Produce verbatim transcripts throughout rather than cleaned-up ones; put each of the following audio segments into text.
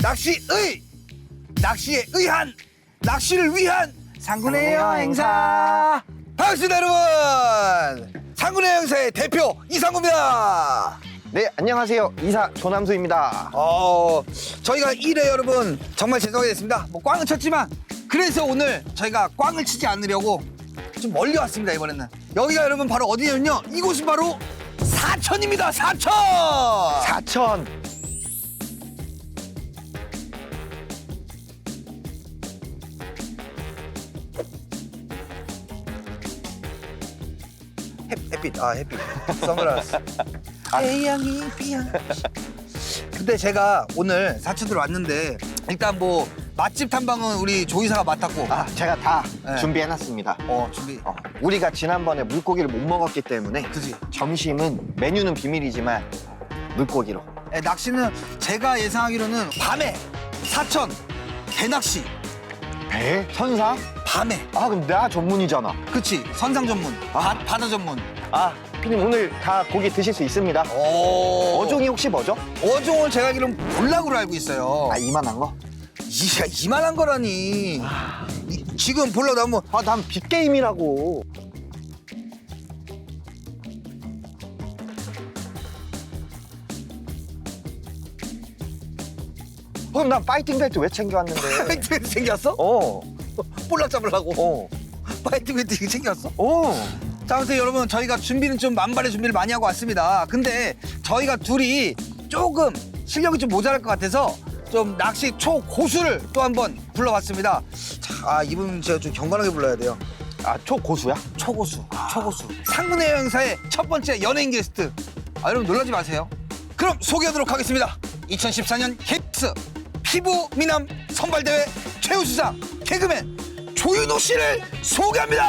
낚시의 낚시에 의한 낚시를 위한 상군의 여행사. 반갑습니다 여러분. 상군의 여행사의 대표 이상구입니다. 네, 안녕하세요. 이사 조남수입니다. 어, 저희가 일 회 여러분 정말 죄송하게 됐습니다. 뭐 꽝은 쳤지만 그래서 오늘 저희가 꽝을 치지 않으려고 좀 멀리 왔습니다. 이번에는 여기가 여러분 바로 어디냐면요, 이곳은 바로 사천입니다. 사천. 사천. 햇, 햇빛, 아 햇빛, 선글라스. 태양이 비야. 근데 제가 오늘 사천으로 왔는데 일단 뭐 맛집 탐방은 우리 조이사가 맡았고. 아, 제가 다 네. 준비해놨습니다. 어 준비. 어, 우리가 지난번에 물고기를 못 먹었기 때문에 그지. 점심은 메뉴는 비밀이지만 물고기로. 예, 낚시는 제가 예상하기로는 밤에 사천 대낚시. 배? 선상? 밤에. 아, 그럼 나 전문이잖아. 그치, 선상 전문, 바, 바다 전문. 아, 피디님 오늘 다 고기 드실 수 있습니다. 오. 어종이 혹시 뭐죠? 어종을 제가 알기로는 볼락으로 알고 있어요. 아, 이만한 거? 이야, 이만한 거라니. 이, 지금 볼락 나면 아, 난 빅게임이라고. 그럼 난 파이팅 벨트 왜 챙겨왔는데? 파이트 벨트 챙겼어? 어, 볼락 잡으려고. 어, 파이트 벨트 이거 챙겼어? 어. 자, 아무튼 여러분 저희가 준비는 좀 만발의 준비를 많이 하고 왔습니다. 근데 저희가 둘이 조금 실력이 좀 모자랄 것 같아서 좀 낚시 초고수를 또 한번 불러봤습니다. 자, 아, 이분 제가 좀 경건하게 불러야 돼요. 아, 초고수야? 초고수, 초고수. 상군의 여행사의 첫 번째 연예인 게스트. 아, 여러분 놀라지 마세요. 그럼 소개하도록 하겠습니다. 이천십사 년 케이비에스 피부 미남 선발대회 최우수상 개그맨 조윤호 씨를 소개합니다.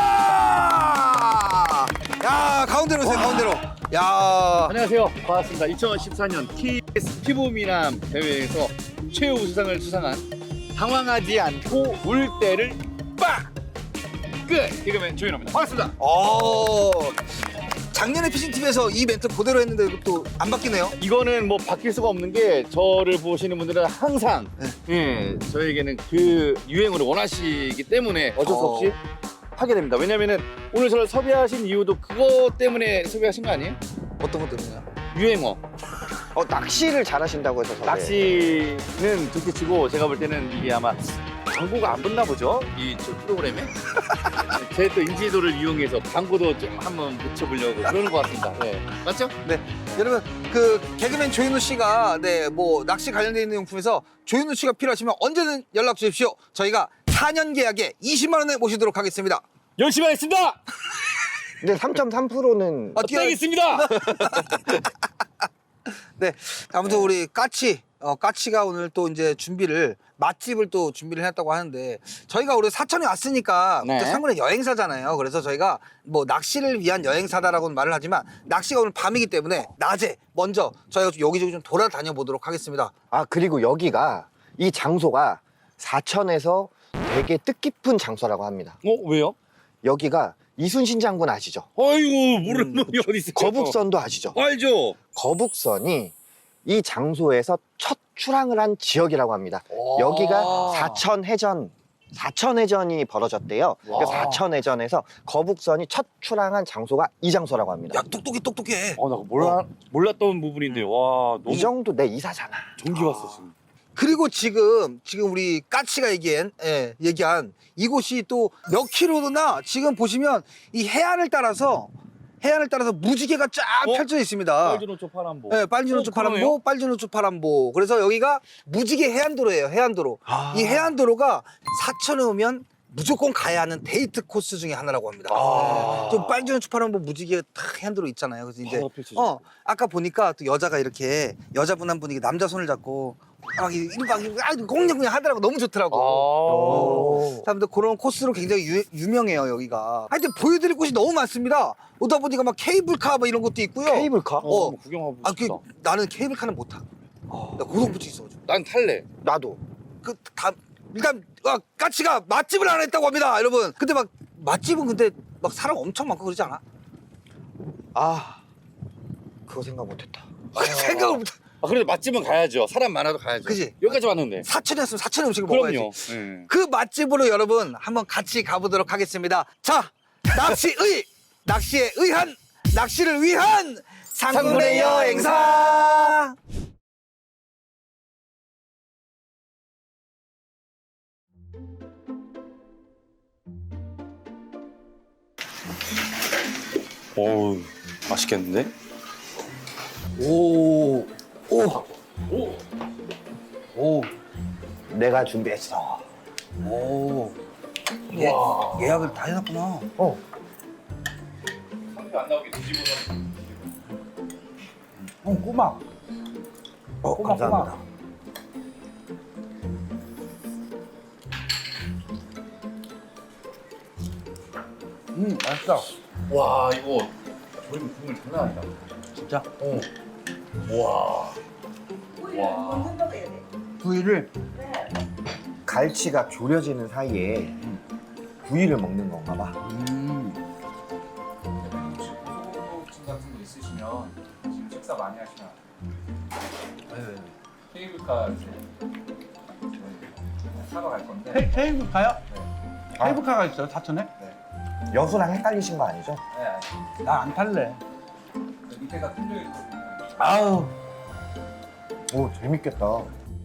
야, 가운데로 오세요. 가운데로. 야, 안녕하세요. 반갑습니다. 이천십사 년 케이비에스 피부미남 대회에서 최우수상을 수상한 당황하지 않고 울 때를 빡! 끝! 개그맨 조윤호입니다. 반갑습니다. 어, 작년에 피싱티비에서 이 멘트 그대로 했는데 또 안 바뀌네요. 이거는 뭐 바뀔 수가 없는 게 저를 보시는 분들은 항상 예, 저에게는 그 유행을 원하시기 때문에 어쩔 수 어. 없이 하게 됩니다. 왜냐면은 오늘 저를 섭외하신 이유도 그것 때문에 섭외하신 거 아니에요? 어떤 것 때문에요? 유행어. 어, 낚시를 잘하신다고 해서 섭외. 낚시는 둘째치고 제가 볼 때는 이게 아마 광고가 안 붙나 보죠? 이 저 프로그램에? 제 또 인지도를 이용해서 광고도 좀 한번 붙여보려고 그러는 것 같습니다. 네. 맞죠? 네, 여러분 그 개그맨 조윤호 씨가 네 뭐 낚시 관련돼 있는 용품에서 조윤호 씨가 필요하시면 언제든 연락 주십시오. 저희가 사 년 계약에 이십만 원에 모시도록 하겠습니다. 열심히 하겠습니다! 근데 삼 점 삼 퍼센트는 아, 뛰어- 떼겠습니다! 네, 아무튼 우리 까치, 어, 까치가 오늘 또 이제 준비를 맛집을 또 준비를 해놨다고 하는데 저희가 우리 사천에 왔으니까 네. 또 상군의 여행사잖아요. 그래서 저희가 뭐 낚시를 위한 여행사다라고는 말을 하지만 낚시가 오늘 밤이기 때문에 낮에 먼저 저희가 좀 여기저기 좀 돌아다녀 보도록 하겠습니다. 아, 그리고 여기가 이 장소가 사천에서 되게 뜻깊은 장소라고 합니다. 어, 왜요? 여기가 이순신 장군 아시죠? 아이고, 모르는 음, 놈이 어디 있어요? 거북선도 아시죠? 알죠? 거북선이 이 장소에서 첫 출항을 한 지역이라고 합니다. 오. 여기가 사천해전, 사천해전이 벌어졌대요. 와. 그 사천해전에서 거북선이 첫 출항한 장소가 이 장소라고 합니다. 야, 똑똑해 똑똑해. 어, 나 몰라, 몰랐던 부분인데, 와, 너무 이 정도 내 이사잖아. 전기 왔어, 지금. 그리고 지금 지금 우리 까치가 얘기한 예, 얘기한 이곳이 또 몇 킬로나 지금 보시면 이 해안을 따라서 해안을 따라서 무지개가 쫙 어? 펼쳐 있습니다. 빨주노초 파란보. 네, 빨주노초 어, 파란보, 그러네요. 빨주노초 파란보. 그래서 여기가 무지개 해안도로예요. 해안도로. 아. 이 해안도로가 사천에 오면 무조건 가야 하는 데이트 코스 중에 하나라고 합니다. 아. 좀 빨주노초 파란보 무지개 탁 해안도로 있잖아요. 그래서 이제 바로 펼쳐져. 어 아까 보니까 또 여자가 이렇게 여자분 한 분이 남자 손을 잡고 막 이렇게 막 공냥공냥 하더라고. 너무 좋더라고. 아. 사람들 그런 코스로 굉장히 유, 유명해요 여기가. 하여튼 보여드릴 곳이 너무 많습니다. 오다 보니까 막 케이블카 뭐 이런 것도 있고요. 케이블카? 어, 어. 한번 구경하고 아, 그 싶다. 나는 케이블카는 못 타. 나 고동부치 있어가지고. 난 탈래. 나도. 그 다 일단 아, 까치가 맛집을 안 했다고 합니다, 여러분. 근데 막 맛집은 근데 막 사람 엄청 많고 그러지 않아? 아, 그거 생각 못했다. 생각을 못. 아, 그래도 맛집은 가야죠. 사람 많아도 가야죠. 그지? 여기까지 왔는데. 사천이었으면 사천의 음식을 그럼요. 먹어야지. 예. 그 맛집으로 여러분 한번 같이 가보도록 하겠습니다. 자, 낚시의 낚시에 의한 낚시를 위한 상군의 여행사. 어우, 맛있겠는데? 오, 오, 오! 오, 내가 준비했어. 오. 예, 예약을 다 해놨구나. 어. 안 나오게 뒤집어서. 어, 꼬막. 어, 꼬막, 감사합니다. 꼬막. 음, 맛있다. 와, 이거 조림 국물 장난 아니다. 진짜. 어. 와. 와. 먹는다고 해야 돼. 부위를 갈치가 졸여지는 사이에 부위를 먹는 건가 봐. 음. 고소증 같은 거 있으시면 지금 식사 많이 하시면 네. 케이블카 이제 저희 사러 갈 건데 케, 케이블카요? 네. 케이블카가 있어요, 사천에? 여수랑 헷갈리신 거 아니죠? 네, 나 안 탈래. 그 밑에가 뚫려 있거든요. 아우. 오, 재밌겠다.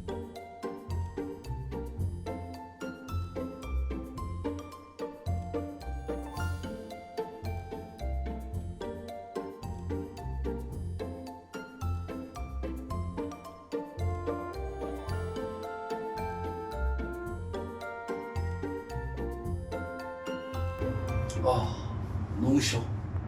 아, 너무 싫어.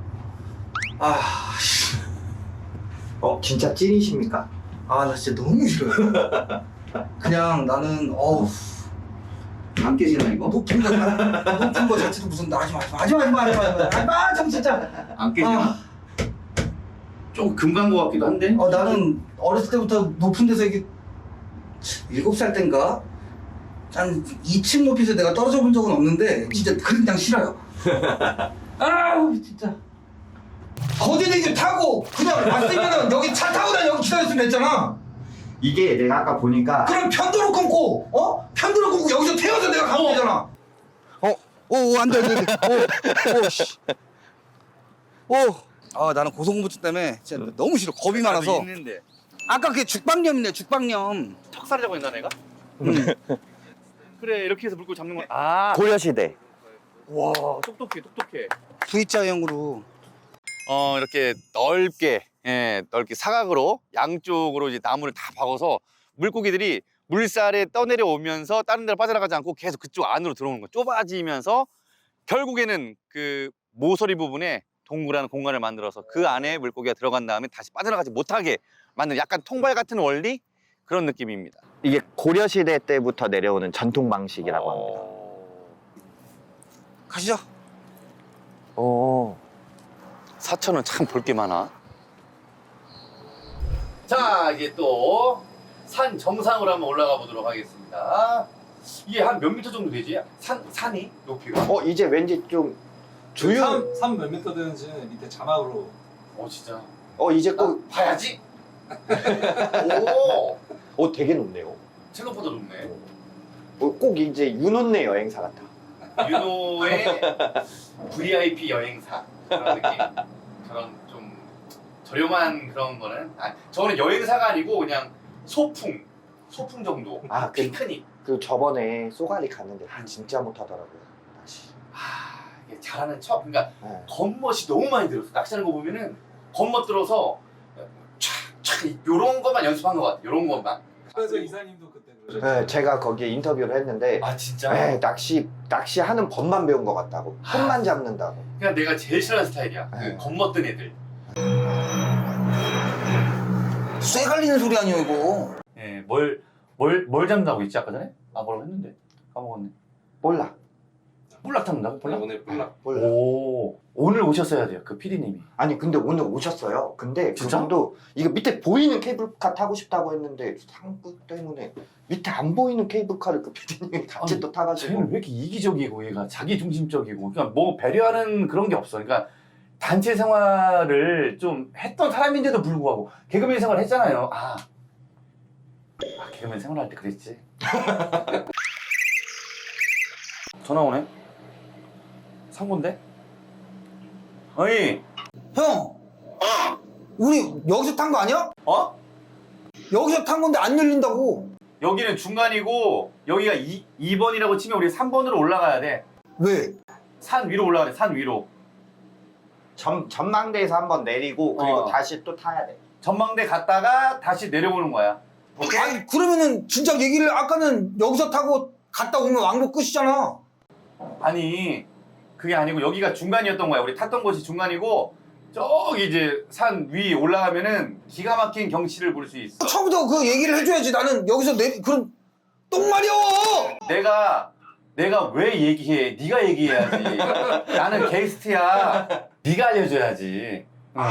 아, 씨. 어, 진짜 찐이십니까? 아, 나 진짜 너무 싫어요. 그냥 나는, 어우. 안 깨지나, 이거? 높은 거, 자- 높은 거 자체도 무슨, 나 하지 마, 하지 마, 하지 마, 하지 마, 하지 마, 하지 마, 하지 마, 진짜. 안 깨지나? 아, 좀 금간 것 같기도 한데? 어, 나는 어렸을 때부터 높은 데서 이게, 일곱 살 땐가? 한 이 층 높이에서 내가 떨어져 본 적은 없는데, 진짜 그냥 싫어요. 아우, 진짜. 거대대기를 타고, 그냥 왔으면은 여기 차 타고 다 여기 기다렸으면 됐잖아. 이게 내가 아까 보니까 그럼 편도로 끊고, 어? 편도로 끊고 여기서 태워서 내가 가면 되잖아. 어, 오, 오, 안 돼, 안 돼, 안 돼. 오, 오, 씨. 오. 아, 나는 고소공포증 때문에 진짜 너무 싫어. 겁이 많아서. 있는데. 아까 그게 죽방염이네, 죽방염. 턱살이라고 했나 내가? 그래, 이렇게 해서 물고 잡는 건. 아. 고려시대. 와, 똑똑해, 똑똑해. V자형으로. 어, 이렇게 넓게, 예, 넓게 사각으로 양쪽으로 이제 나무를 다 박아서 물고기들이 물살에 떠내려 오면서 다른 데로 빠져나가지 않고 계속 그쪽 안으로 들어오는 거야. 좁아지면서 결국에는 그 모서리 부분에 동그란 공간을 만들어서 그 안에 물고기가 들어간 다음에 다시 빠져나가지 못하게 만든 약간 통발 같은 원리 그런 느낌입니다. 이게 고려시대 때부터 내려오는 전통 방식이라고 합니다. 어... 가시죠. 오. 사천은 참 볼 게 많아. 자, 이제 또 산 정상으로 한번 올라가 보도록 하겠습니다. 이게 한 몇 미터 정도 되지? 산, 산이? 높이가? 어, 이제 왠지 좀 조용. 산몇 미터 되는지는 밑에 자막으로 어, 진짜. 어, 이제 아, 꼭 봐야지. 오, 어, 되게 높네요. 생각보다 높네. 어, 꼭 이제 윤혼네 여행사 같아. 윤호의 브이아이피 여행사 그런 느낌. 그런 좀 저렴한 그런 거는 아, 저는 여행사가 아니고 그냥 소풍, 소풍 정도. 아, 그, 피크닉. 그 저번에 쏘가리 갔는데 아, 진짜 못하더라고요. 다시. 아, 이게 잘하는 척. 그러니까 네. 겉멋이 너무 많이 들었어. 낚시하는 거 보면은 겉멋 들어서 촥촥 요런 것만 연습한 것 같아. 요런 것만. 그래서 이사님도 그때 그러셨죠. 네, 제가 거기에 인터뷰를 했는데 아 진짜? 네, 낚시 낚시하는 법만 배운 것 같다고. 손만 잡는다고. 그냥 내가 제일 싫어하는 스타일이야. 네. 그 겉멋든 애들. 쇠 갈리는 소리 아니에요, 이거. 예, 뭘, 뭘, 뭘 잡는다고 했지 아까 전에? 아 뭐라고 했는데? 까먹었네. 몰라. 볼락 잡는다고? 네, 볼락? 오늘 볼락 몰라. 오, 오늘 오셨어야 돼요. 그 피디님이. 아니 근데 오늘 오셨어요. 근데 진짜? 그분도 이거 밑에 보이는 케이블카 타고 싶다고 했는데 상구 때문에 밑에 안 보이는 케이블카를 그 피디님이 같이 아니, 또 타가지고. 쟤는 왜 이렇게 이기적이고 얘가 자기 중심적이고 그러니까 뭐 배려하는 그런 게 없어. 그러니까 단체 생활을 좀 했던 사람인데도 불구하고 개그맨 생활 했잖아요. 아 아, 개그맨 생활할 때 그랬지. 전화 오네. 상고인데? 어이. 형! 우리 여기서 탄 거 아니야? 어? 여기서 탄 건데 안 열린다고. 여기는 중간이고 여기가 이, 이 번이라고 치면 우리 삼 번으로 올라가야 돼. 왜? 산 위로 올라가야 돼. 산 위로. 전, 전망대에서 한번 내리고 그리고 어. 다시 또 타야 돼. 전망대 갔다가 다시 내려오는 거야. 오케이? 아니 그러면은 진짜 얘기를 아까는 여기서 타고 갔다 오면 왕복 끝이잖아. 아니 그게 아니고 여기가 중간이었던 거야. 우리 탔던 곳이 중간이고 저기 이제 산 위 올라가면은 기가 막힌 경치를 볼 수 있어. 처음부터 그 얘기를 해줘야지. 나는 여기서 내 그런 똥마려워. 내가 내가 왜 얘기해? 네가 얘기해야지. 나는 게스트야. 네가 알려줘야지. 응.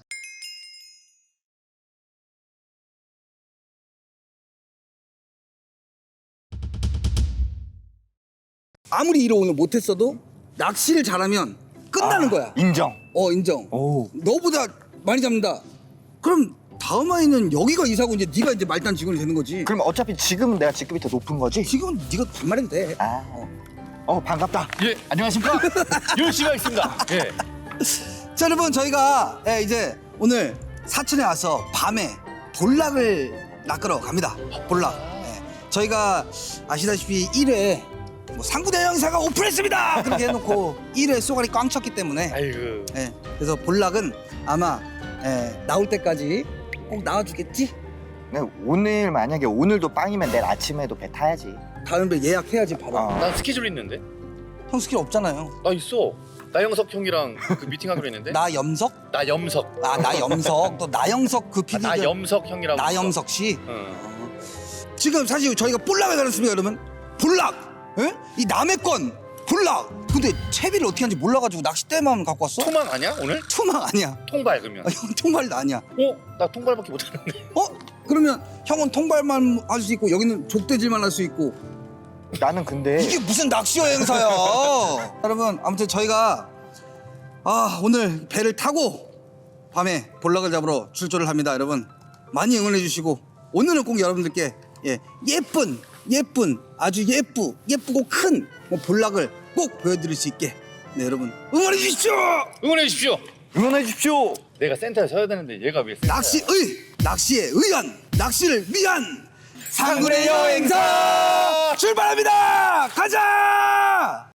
아무리 일을 오늘 못했어도 낚시를 잘하면 끝나는 거야. 인정. 어 인정. 오. 너보다 많이 잡는다. 그럼 다음 아이는 여기가 이사고 이제 네가 이제 말단 직원이 되는 거지. 그럼 어차피 지금은 내가 직급이 더 높은 거지? 지금은 네가 반말해도 돼. 아. 어, 반갑다. 예, 안녕하십니까? 열심히 하겠습니다. 예. 자 여러분 저희가 예, 이제 오늘 사천에 와서 밤에 볼락을 낚으러 갑니다. 볼락. 예. 저희가 아시다시피 일 회 뭐 상구대 형사가 오픈했습니다. 그렇게 해놓고 일 회 쏘가리 꽝 쳤기 때문에 아이고. 예, 그래서 볼락은 아마 예, 나올 때까지 꼭 나와주겠지? 네, 오늘 만약에 오늘도 빵이면 내일 아침에도 배 타야지. 다음에 예약해야지 바로. 어. 난 스케줄 있는데. 형 스킬 없잖아요. 나 있어. 나영석 형이랑 그 미팅하기로 했는데. 나 염석? 나 염석. 아 나 염석. 또 나영석 그 아, 피디가 나 염석 형이라고. 나영석 씨. 응. 지금 사실 저희가 볼락을 가졌습니다 여러분. 볼락. 예? 이 남의 건 볼락. 근데 채비를 어떻게 하는지 몰라가지고 낚싯대만 갖고 왔어? 토망 아니야 오늘? 투망 아니야. 통발 그러면. 아, 형 통발도 아니야. 어? 나 통발밖에 못하는데. 어? 그러면 형은 통발만 할 수 있고 여기는 족대질만 할 수 있고 나는 근데 이게 무슨 낚시 여행사야? 여러분 아무튼 저희가 아 오늘 배를 타고 밤에 볼락을 잡으러 출조를 합니다. 여러분 많이 응원해 주시고 오늘은 꼭 여러분들께 예, 예쁜 예쁜 아주 예쁘 예쁘고 큰 뭐 볼락을 꼭 보여드릴 수 있게 네 여러분 응원해 주십시오. 응원해 주십시오. 응원해 주십시오. 내가 센터에 서야 되는데 얘가 왜 센터야? 낚시의 낚시에 의한 낚시를 위한 상군의 여행사 출발합니다. 가자.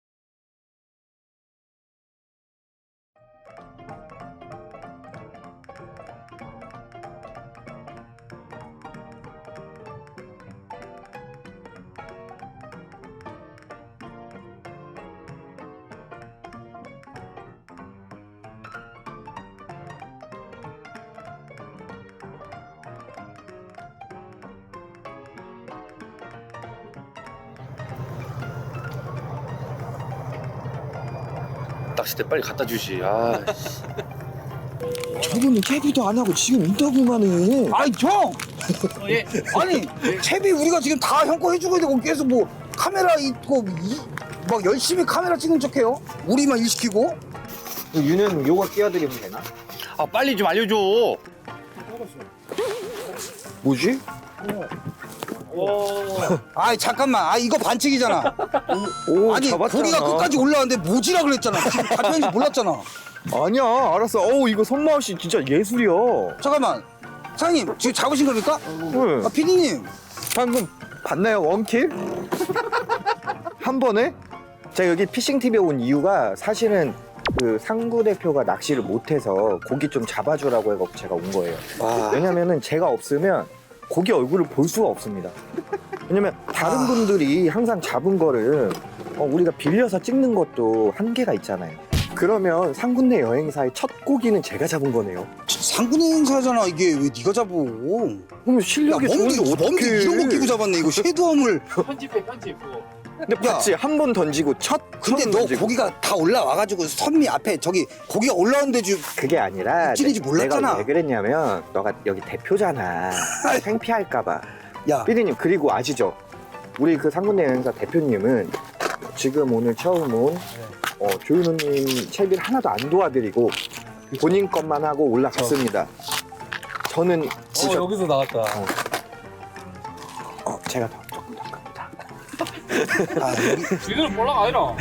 낚싯대 빨리 갖다 주시. 아. 저분은 캐비도 안 하고 지금 인터뷰만 해. 아이 형 예. 아니 채비 우리가 지금 다 형 거 해주고 되고 계속 뭐 카메라 있고 이, 막 열심히 카메라 찍는 척해요. 우리만 일 시키고. 유는 요거 끼워드리면 되나? 아 빨리 좀 알려줘. 뭐지? 아이 잠깐만 아 이거 반칙이잖아. 오, 아니 잡았잖아. 고기가 끝까지 올라왔는데 모지라 그랬잖아. 지금 잡혔는지 몰랐잖아. 아니야, 알았어. 어우, 이거 손맛이 진짜 예술이야. 잠깐만 사장님 지금 잡으신 겁니까? 왜? 아 피디님 방금 봤나요? 원킬? 한 번에? 제가 여기 피싱티비에 온 이유가 사실은 그 상구 대표가 낚시를 못해서 고기 좀 잡아주라고 해서 제가 온 거예요. 와. 왜냐면은 제가 없으면 고기 얼굴을 볼 수가 없습니다. 왜냐면 다른 아. 분들이 항상 잡은 거를 어, 우리가 빌려서 찍는 것도 한계가 있잖아요. 그러면 상군내 여행사의 첫 고기는 제가 잡은 거네요. 상군의 행사잖아 이게 왜 네가 잡어? 그럼 실력이 야, 멍게, 좋은데 멍게 어떡해. 이런 거 끼고 잡았네 이거 섀도움을. 편집해 편집 그거. 근데 야. 봤지? 한 번 던지고 첫 근데 처음 너 던지고. 고기가 다 올라와가지고 선미 앞에 저기 고기가 올라오는데 주 그게 아니라 찔리지 내- 몰랐잖아. 내가 왜 그랬냐면 너가 여기 대표잖아. 창피할까봐. 야 피디님 그리고 아시죠? 우리 그 상군내 여행사 대표님은 지금 오늘 처음 온 어, 조윤호님 채비를 하나도 안 도와드리고 본인 것만 하고 올라갔습니다. 저는 어, 여기서 나왔다. 제가 더 조금 더 큽니다. 아, 여기 이거는 볼락 아니라.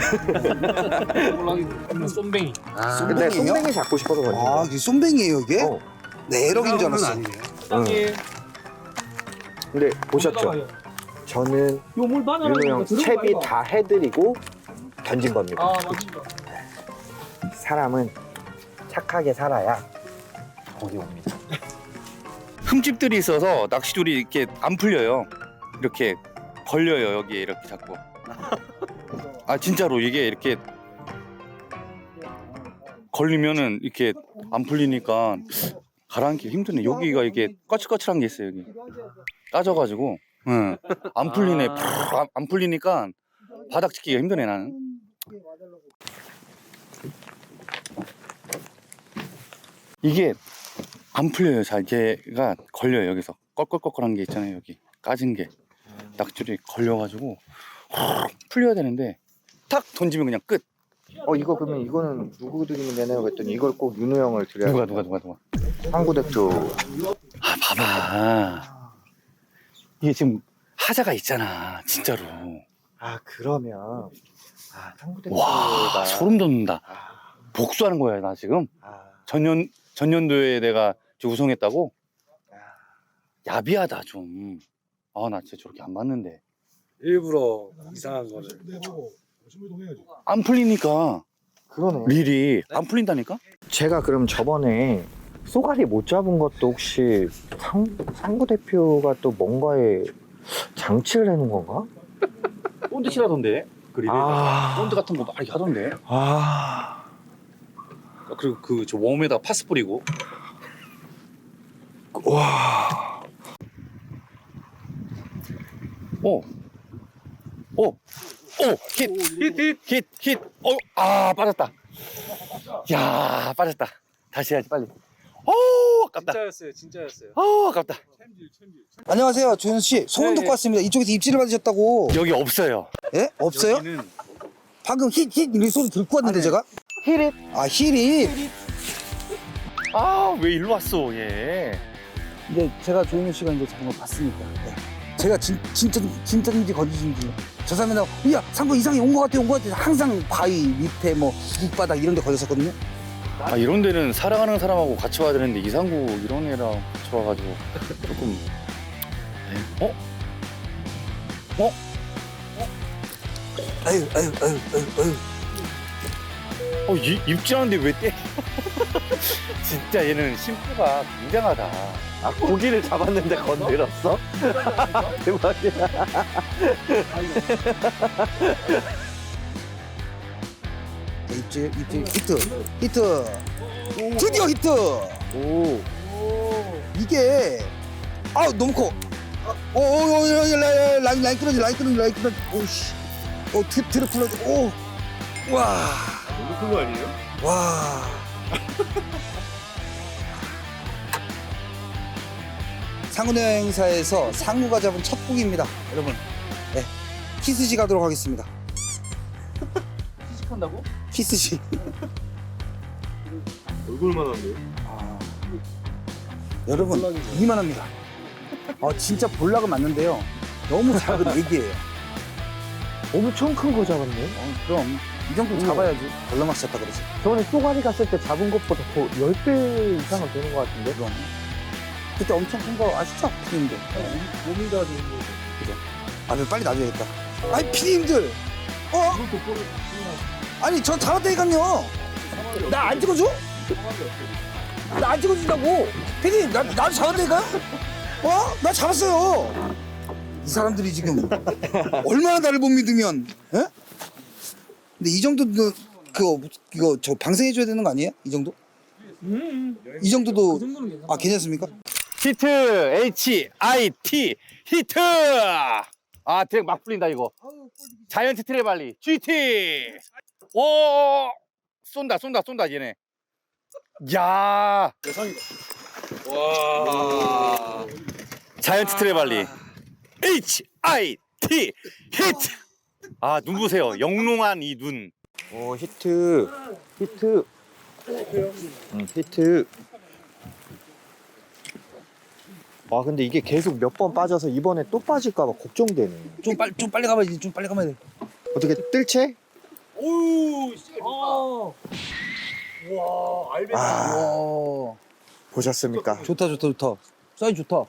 볼락이 쏨뱅이. 근데 쏨뱅이요? 쏨뱅이 잡고 싶어서 그런 아, 거야. 이게 쏨뱅이에요, 이게? 어. 네, 에럭인 줄 알았어. 응. 근데 보셨죠? 저는 요물 바나. 윤호 형 채비 다 해드리고 던진 겁니다. 아 맞습니다. 사람은 착하게 살아야 고기 옵니다. 흠집들이 있어서 낚시줄이 이렇게 안 풀려요. 이렇게 걸려요 여기에 이렇게 자꾸. 아 진짜로 이게 이렇게 걸리면은 이렇게 안 풀리니까 가라앉기 힘드네. 여기가 이게 거칠거칠한 게 있어요 여기. 따져가지고, 응. 안 풀리네. 안, 안 풀리니까 바닥 찍기가 힘드네 나는. 이게 안 풀려요 잘. 걔가 걸려요 여기서. 껄껄껄껄한 게 있잖아요 여기. 까진 게 낙줄이 걸려가지고 풀려야 되는데 탁 던지면 그냥 끝. 어 이거 그러면 이거는 누구 드리면 되나요? 그랬더니 이걸 꼭 윤호 형을 드려야 누가 누가 누가 누가. 한국 대표. 아 봐봐. 이게 지금 하자가 있잖아 진짜로. 아 그러면 아 한국 대표가 와 소름 돋는다. 아, 복수하는 거야 나 지금. 아, 전년 전년도에 내가 지금 우승했다고. 아. 야비하다 좀. 아 나 진짜 저렇게 안 봤는데. 일부러 이상한 거를. 안 풀리니까 그러네. 릴이 안 풀린다니까. 제가 그럼 저번에 쏘가리 못 잡은 것도 혹시 상, 상구 대표가 또 뭔가에 장치를 해놓은 건가? 본드 칠하던데. 그 릴에 아. 본드 같은 거 많이 하던데. 아, 그리고 그 저 웜에다 파스 뿌리고. 와, 오, 오, 오, 힛, 힛, 힛, 힛, 힛. 어, 아 빠졌다. 야 빠졌다. 다시 해야지 빨리. 오, 아깝다. 진짜였어요, 진짜였어요. 아, 아깝다. 안녕하세요, 조현수 씨. 소문 네, 듣고 네. 왔습니다. 이쪽에서 입질을 받으셨다고. 여기 없어요. 예? 없어요? 여기는 방금 힛, 힛, 이 소리 듣고 왔는데, 제가? 히릿. 아, 힐이. 아, 왜 일로 왔어, 얘? 이제 제가 조현우 씨가 이제 잡은 걸 봤으니까. 네. 제가 진, 진짜, 진짜인지 거짓인지. 저 사람이 야, 상구 이상이 온 것 같아, 온 것 같아. 항상 바위 밑에 뭐, 밑바닥 이런 데 걸렸었거든요. 아, 이런 데는 사랑하는 사람하고 같이 와야 되는데 이상구 이런 애랑 같이 와가지고 조금. 에? 어? 어? 아유, 아유, 아유, 아유, 아유. 어, 이, 입질하는데 왜 때려? 진짜 얘는 심표가 굉장하다. 아 고기를 잡았는데 건드렸어? 대박이야. 입질, 입질, 히트, 히트. 드디어 히트. 오, 이게 아 너무 커. 오, 오, 오, 라인, 라인, 라인 끊어지, 라인 끊어지, 라인 끊어지. 오씨, 오, 트, 트리플 러지. 오, 와, 너무 큰 거 아니에요? 와. 상훈 행사에서 상구가 잡은 첫 고기입니다, 여러분. 네, 키스지 가도록 하겠습니다. 시식한다고? 키스지. 얼굴만 한데. 아, 여러분 이만합니다. 아 진짜 볼락은 맞는데요. 너무 작은 애기예요. 엄청 큰 거 잡았네. 어, 그럼 이 정도 잡아야지. 볼락만 쳤다 그러지. 저번에 쏘가리 갔을 때 잡은 것보다 더 열 배 이상은 되는 것 같은데? 그럼 그때 엄청 큰 거 아시죠, 피디님들? 몸이 다 좋은 거. 아, 왜 빨리 놔줘야겠다. 아니 피디님들, 어? 아니 저 잡았다니까요. 나 안 찍어줘? 나 안 찍어준다고. 피디님, 나 나도 잡았다니까. 어? 나 잡았어요. 이 사람들이 지금 얼마나 나를 못 믿으면, 예? 근데 이 정도도 그거 이거 저 방생해줘야 되는 거 아니에요? 이 정도? 음. 이 정도도 그 정도는 괜찮아. 아 괜찮습니까? 히트! H I T! 히트! 아, 드랙 막 풀린다, 이거. 자이언트 트레발리. 지 티! 오! 쏜다, 쏜다, 쏜다, 얘네. 야 대상이다. 와. 자이언트 트레발리. H I T! 히트! 아, 눈 보세요. 영롱한 이 눈. 오 히트, 히트, 응, 히트. 와 근데 이게 계속 몇 번 빠져서 이번에 또 빠질까봐 걱정되네. 좀 빨리 좀 빨리 가봐야지. 좀 빨리 가봐야 돼. 어떻게 뜰채? 오우 진짜 좋다. 와 알베. 아 와, 보셨습니까? 좋다 좋다 좋다. 사이즈 좋다.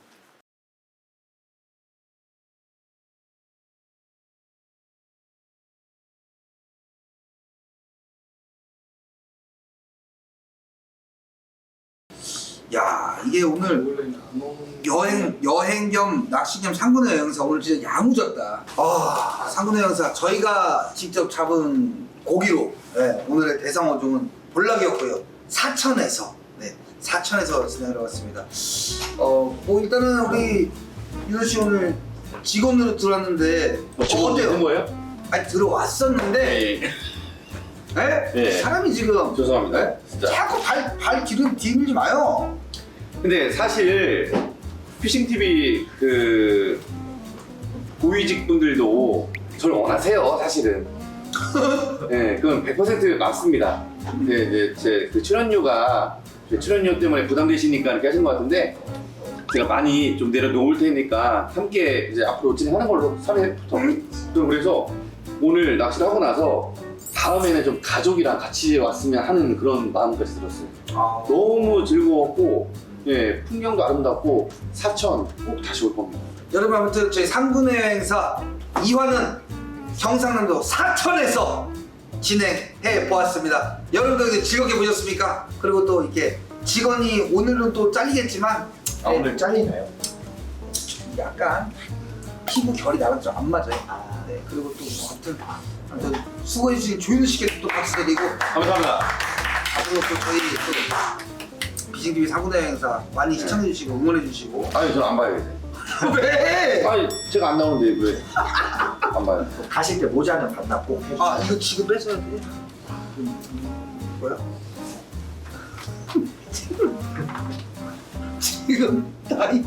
야, 이게 오늘 여행 여행 겸 낚시 겸 상군의 여행사 오늘 진짜 야무졌다. 아, 상군의 여행사 저희가 직접 잡은 고기로 네, 오늘의 대상어종은 볼락이었고요. 사천에서 네, 사천에서 진행을 해봤습니다. 어, 뭐 일단은 우리 윤호 씨 오늘 직원으로 들어왔는데 뭐 직원 어때요? 되는 거예요? 아니 들어왔었는데 네. 네? 네. 사람이 지금 죄송합니다. 네? 진짜. 자꾸 발, 발 기름 디밀지 마요. 근데 사실 피싱 티비 그 고위직 분들도 저를 원하세요, 사실은. 네, 그건 백 퍼센트 맞습니다. 근데 이제 제 그 출연료가 제 출연료 때문에 부담되시니까 이렇게 하신 것 같은데 제가 많이 좀 내려놓을 테니까 함께 이제 앞으로 진행하는 걸로 삼 회부터. 좀 그래서 오늘 낚시를 하고 나서 다음에는 좀 가족이랑 같이 왔으면 하는 그런 마음까지 들었어요. 아, 너무 즐거웠고, 예, 풍경도 아름답고, 사천 꼭 다시 올 겁니다. 여러분 아무튼 저희 상군의 여행사 이 화는 경상남도 사천에서 진행해 보았습니다. 여러분들 즐겁게 보셨습니까? 그리고 또 이렇게 직원이 오늘은 또 잘리겠지만 아 오늘 잘리나요? 약간 피부 결이 나랑 좀 안 맞아요. 네, 그리고 또 뭐 아무튼, 아무튼 수고해주신 조윤우 씨께 또 박수 드리고 감사합니다. 앞으로 또 저희 또 비싱티비 상군의 여행사 많이 시청해주시고 응원해주시고 아니, 저는 안 봐요, 이제. 왜? 아니, 제가 안 나오는데 왜? 안 봐요. 가실 때 모자는 반납 꼭 해주세요. 아 이거 지금 뺏어야 돼? 뭐야? 지금 나이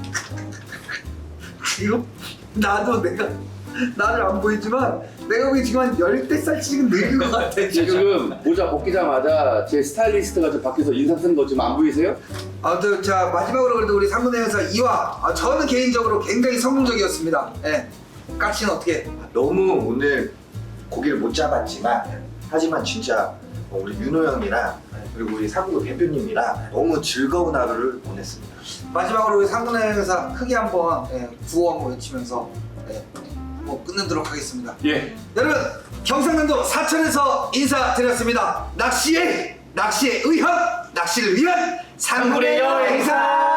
지금 나도 내가 나를 안 보이지만 내가 보기 지금 한 열댓 살 지금 늙은 것 같아 제 지금. 지금 모자 벗기자마자 제 스타일리스트가 좀 밖에서 인상 쓴 거 지금 안 보이세요? 아무튼 자 마지막으로 그래도 우리 상군의 여행사 이 화 아, 저는 개인적으로 굉장히 성공적이었습니다. 예. 까치는 어떻게? 너무 오늘 고기를 못 잡았지만 하지만 진짜 우리 윤호 형이랑 그리고 우리 사구 대표님이랑 너무 즐거운 하루를 보냈습니다. 마지막으로 우리 상군의 여행사 크게 한번 예, 구호 한번 외치면서 예, 뭐 끝내도록 하겠습니다. 예. 여러분 경상남도 사천에서 인사드렸습니다. 낚시의 낚시의 의학 낚시를 위한 상군의 여행사.